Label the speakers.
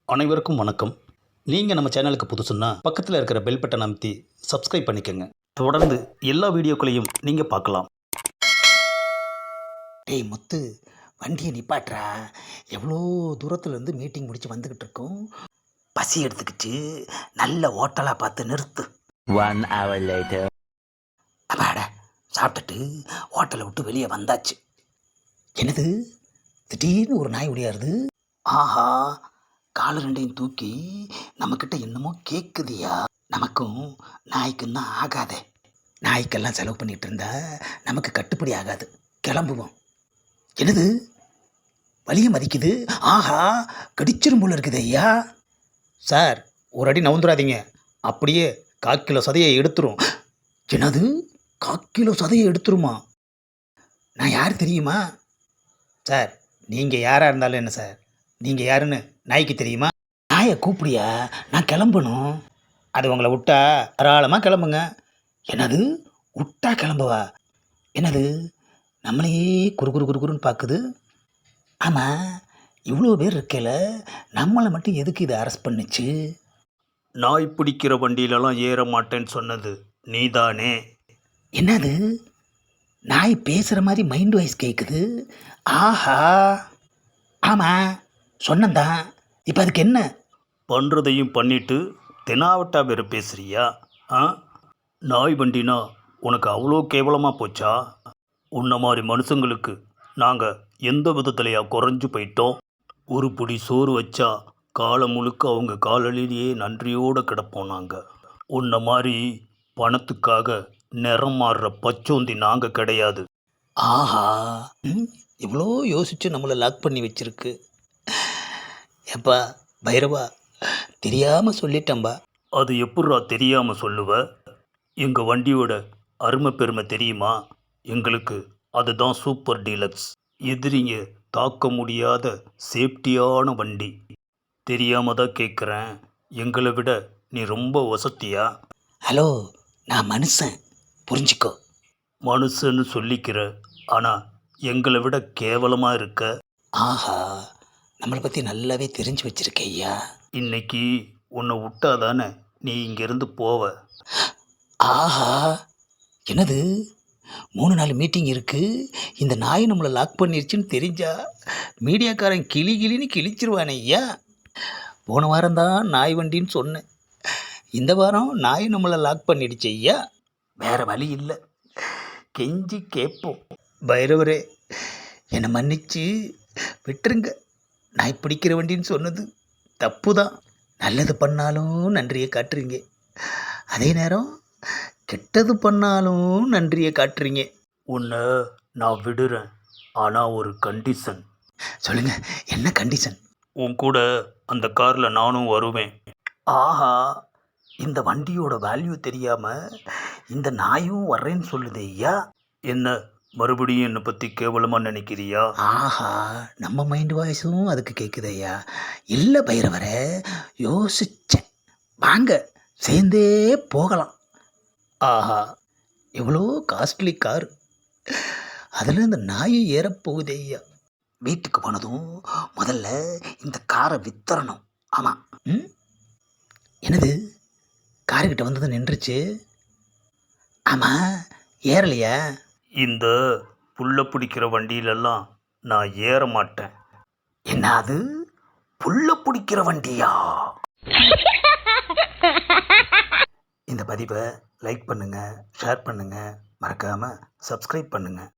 Speaker 1: அனைவருக்கும் வணக்கம். நீங்கள் நம்ம சேனலுக்கு புதுசுன்னா பக்கத்தில் இருக்கிற பெல் பட்டன் அமைத்தி சப்ஸ்கிரைப் பண்ணிக்கோங்க. தொடர்ந்து எல்லா வீடியோக்களையும் நீங்கள் பார்க்கலாம்.
Speaker 2: டேய் முத்து, வண்டியை நிப்பாட்றா. எவ்வளோ தூரத்துலேருந்து மீட்டிங் முடிச்சு வந்துக்கிட்டு இருக்கோம். பசி எடுத்துக்கிச்சு, நல்ல ஹோட்டலாக பார்த்து நிறுத்து.
Speaker 3: 1 hour later.
Speaker 2: அப்பாட, சாப்பிட்டுட்டு ஹோட்டலை விட்டு வெளியே வந்தாச்சு. என்னது திடீர்னு ஒரு நாய் ஒடியாருது. ஆஹா, காலு ரெண்டையும் தூக்கி நம்மக்கிட்ட என்னமோ கேட்குதியா. நமக்கும் நாய்க்கும் தான் ஆகாதே. நாய்க்கெல்லாம் செலவு பண்ணிகிட்டு இருந்தா நமக்கு கட்டுப்படி ஆகாது. கிளம்புவோம். என்னது வலிய மதிக்குது. ஆஹா, கடிச்சிரும் போல இருக்குது ஐயா.
Speaker 1: சார், ஒரு அடி நவுந்துடாதீங்க, அப்படியே 1/4 கிலோ சதையை எடுத்துரும்.
Speaker 2: என்னது 1/4 கிலோ சதையை எடுத்துருமா? நான் யார் தெரியுமா?
Speaker 1: சார், நீங்கள் யாராக இருந்தாலும் என்ன சார், நீங்கள் யாருன்னு நாய்க்கு தெரியுமா?
Speaker 2: நாயை கூப்பிடியா? நான் கிளம்பணும்.
Speaker 1: அது உங்களை விட்டா தாராளமாக கிளம்புங்க.
Speaker 2: என்னது விட்டா கிளம்புவா? என்னது நம்மளையே குறுன்னு பார்க்குது. ஆமாம், இவ்வளோ பேர் இருக்கல, நம்மளை மட்டும் எதுக்கு இதை அரெஸ்ட் பண்ணுச்சு?
Speaker 1: நாய் பிடிக்கிற வண்டியிலலாம் ஏற மாட்டேன்னு சொன்னது நீதானே?
Speaker 2: என்னது நாய் பேசுகிற மாதிரி மைண்ட் வாய்ஸ் கேட்குது. ஆஹா, ஆமாம் சொன்னந்தான். இப்போ அதுக்கு என்ன?
Speaker 1: பண்ணுறதையும் பண்ணிட்டு தெனாவட்டா வேறு பேசுகிறியா? ஆ, நாய் வண்டினா உனக்கு அவ்வளோ கேவலமாக போச்சா? உன்ன மாதிரி மனுஷங்களுக்கு நாங்கள் எந்த விதத்துலையா குறைஞ்சு போயிட்டோம்? ஒரு பிடி சோறு வச்சா காலம் முழுக்க அவங்க காலடியிலேயே நன்றியோடு கிடப்போம். நாங்கள் உன்ன மாதிரி பணத்துக்காக நிறம் மாறுற பச்சோந்தி நாங்கள் கிடையாது.
Speaker 2: ஆஹா, இவ்வளோ யோசித்து நம்மளை லாக் பண்ணி வச்சிருக்கு. எப்பா பைரவா, தெரியாமல் சொல்லிட்டேன்பா.
Speaker 1: அது எப்பட்றா தெரியாமல் சொல்லுவ? எங்கள் வண்டியோட அருமை பெருமை தெரியுமா? எங்களுக்கு அதுதான் சூப்பர் டீலக்ஸ். எதிரிங்க தாக்க முடியாத சேஃப்டியான வண்டி. தெரியாமல் தான் கேட்குறேன், எங்களை விட நீ ரொம்ப வசதியா?
Speaker 2: ஹலோ, நான் மனுஷன், புரிஞ்சுக்கோ.
Speaker 1: மனுஷன்னு சொல்லிக்கிற, ஆனால் எங்களை விட கேவலமாக இருக்க.
Speaker 2: ஆஹா, நம்மளை பற்றி நல்லாவே தெரிஞ்சு வச்சிருக்க ஐயா.
Speaker 1: இன்னைக்கு உன்னை விட்டாதானே நீ இங்கேருந்து போவ.
Speaker 2: ஆஹா, என்னது 3 நாள் மீட்டிங் இருக்குது, இந்த நாய் நம்மளை லாக் பண்ணிருச்சுன்னு தெரிஞ்சா மீடியாக்காரன் கிளின்னு கிழிச்சிருவானே ஐயா. போன வாரம் தான் நாய் வண்டின்னு சொன்னேன், இந்த வாரம் நாய் நம்மளை லாக் பண்ணிடுச்சு ஐயா. வேறு வழி இல்லை, கெஞ்சி கேட்போம். பைரவரே, என்னை மன்னிச்சு விட்டுருங்க. நாய் பிடிக்கிற வண்டின்னு சொன்னது தப்பு தான். நல்லது பண்ணாலும் நன்றியை காட்டுறீங்க, அதே நேரம் கெட்டது பண்ணாலும் நன்றியை காட்டுறீங்க.
Speaker 1: உன்னை நான் விடுறேன், ஆனால் ஒரு கண்டிஷன்.
Speaker 2: சொல்லுங்கள், என்ன கண்டிஷன்?
Speaker 1: உன் கூட அந்த காரில் நானும் வருவேன்.
Speaker 2: ஆஹா, இந்த வண்டியோட வேல்யூ தெரியாமல் இந்த நாயும் வர்றேன்னு சொல்லுது ஐயா.
Speaker 1: என்ன மறுபடியும் என்னை பற்றி கேவலமாக நினைக்கிறியா?
Speaker 2: ஆஹா, நம்ம மைண்ட் வாய்ஸும் அதுக்கு கேட்குது ஐயா. இல்லை பைரவரை, யோசிச்சேன், வாங்க சேர்ந்தே போகலாம். ஆஹா, எவ்வளோ காஸ்ட்லி கார், அதில் இந்த நாயை ஏறப்போகுது ஐயா. வீட்டுக்கு போனதும் முதல்ல இந்த காரை வித்தரணும். ஆமாம். என்னது காருக்கிட்ட வந்தது நின்றுச்சு. ஆமாம், ஏறலையா?
Speaker 1: இந்த புல்லை பிடிக்கிற வண்டியிலெல்லாம் நான் ஏற மாட்டேன்.
Speaker 2: என்னது புல்ல பிடிக்கிற வண்டியா? இந்த பதிவை லைக் பண்ணுங்கள், ஷேர் பண்ணுங்கள், மறக்காமல் சப்ஸ்கிரைப் பண்ணுங்கள்.